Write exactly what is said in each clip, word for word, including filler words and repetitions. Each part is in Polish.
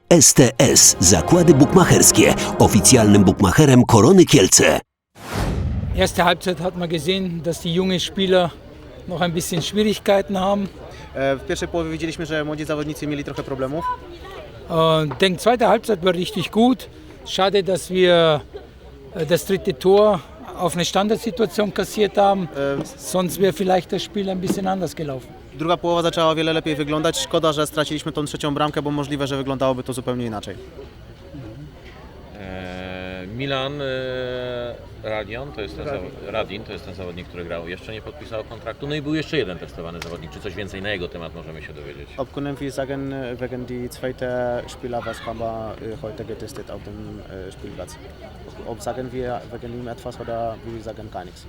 S T S Zakłady Bukmacherskie, oficjalnym bukmacherem Korony Kielce. Erste Halbzeit hat man gesehen, dass die jungen Spieler noch ein bisschen Schwierigkeiten haben. W pierwszej połowie widzieliśmy, że młodzi zawodnicy mieli trochę problemów. Ich denke, zweite Halbzeit war richtig gut. Schade, dass wir äh, das dritte Tor auf eine Standardsituation kassiert haben. Sonst wäre vielleicht das Spiel ein bisschen anders gelaufen. Druga połowa zaczęła o wiele lepiej wyglądać. Szkoda, że straciliśmy tą trzecią bramkę, bo możliwe, że wyglądałoby to zupełnie inaczej. Eee, Milan e, Radion, to jest ten Radin. Radin, to jest ten zawodnik, który grał, jeszcze nie podpisał kontraktu. No i był jeszcze jeden testowany zawodnik. Czy coś więcej na jego temat możemy się dowiedzieć? Ob können wir sagen, wegen die zweite Spieler, was haben wir heute getestet auf dem Spielplatz? Ob sagen wir wegen ihm etwas oder wir sagen gar nichts?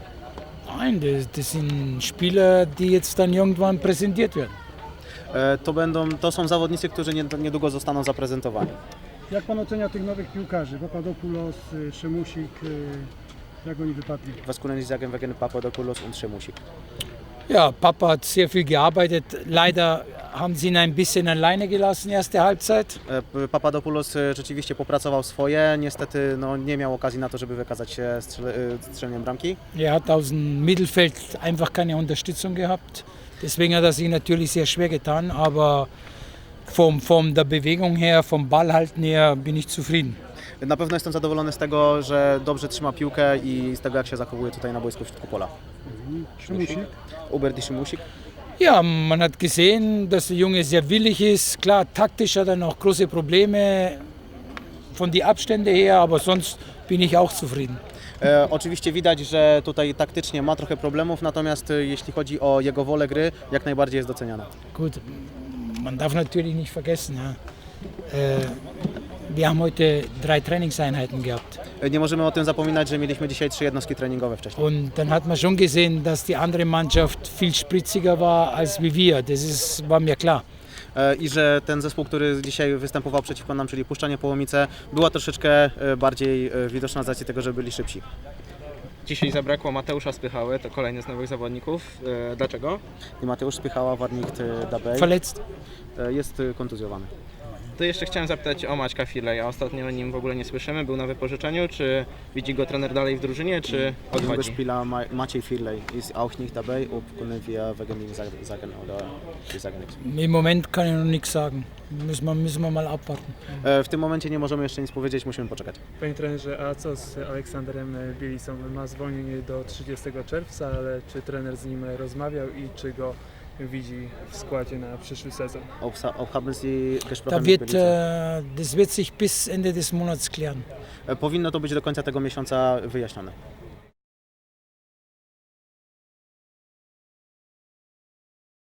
Nein, das, das sind Spieler, die jetzt dann irgendwann präsentiert werden. To, będą, to są zawodnicy, którzy niedługo zostaną zaprezentowani. Jak pan ocenia tych nowych piłkarzy? Papadopoulos, Szymusik, jak oni wypadli? Was können Sie sagen wegen Papadopoulos und Szymusik? Ja, Papa hat sehr viel gearbeitet. Leider haben sie ihn ein bisschen alleine gelassen, erste Halbzeit. Papadopoulos rzeczywiście popracował swoje, niestety no, nie miał okazji na to, żeby wykazać się strzeleniem bramki. Er hat aus dem Mittelfeld einfach keine Unterstützung gehabt. Deswegen hat er sich natürlich sehr schwer getan, aber von, von der Bewegung her, vom Ballhalten her bin ich zufrieden. Na pewno jestem zadowolony z tego, że dobrze trzyma piłkę i z tego, jak się zachowuje tutaj na boisku w środku pola. Szymusik? Hubert i Szymusik. Ja, man hat gesehen, dass der Junge sehr willig ist. Klar, taktisch hat er noch große Probleme von die Abstände her, aber sonst bin ich auch zufrieden. E, oczywiście widać, że tutaj taktycznie ma trochę problemów, natomiast jeśli chodzi o jego wolę gry, jak najbardziej jest doceniana. Gut, man darf natürlich nicht vergessen, ja. äh, wir haben heute drei Trainingseinheiten gehabt. Nie możemy o tym zapominać, że mieliśmy dzisiaj trzy jednostki treningowe wcześniej. Und dann hat man schon gesehen, dass die andere Mannschaft viel spritziger war als wie wir. Das ist, war mir klar. I że ten zespół, który dzisiaj występował przeciwko nam, czyli Puszczanie Połomice, była troszeczkę bardziej widoczna z racji tego, że byli szybsi. Dzisiaj zabrakło Mateusza Spychały, to kolejny z nowych zawodników. Dlaczego? I Mateusz Spychała, Warnicht dabei, Verletzt. jest kontuzjowany. To jeszcze chciałem zapytać o Maćka Firleja. Ostatnio o nim w ogóle nie słyszymy. Był na wypożyczeniu. Czy widzi go trener dalej w drużynie, czy odchodzi? Spieler Maciej Firlej ist auch nicht dabei. Ob können wir wegen ihm sagen oder wir sagen nichts? Im Moment kann ich noch nichts sagen. Müssen wir, müssen wir mal abwarten. W tym momencie nie możemy jeszcze nic powiedzieć, musimy poczekać. Panie trenerze, a co z Aleksandrem Bielisą? Ma zwolnienie do trzydziestego czerwca, ale czy trener z nim rozmawiał i czy go widzi w składzie na przyszły sezon? Ob, ob haben Sie gesprochen Da mit wird, Belica? äh, das wird sich bis Ende des Monats klären. Powinno to być do końca tego miesiąca wyjaśnione.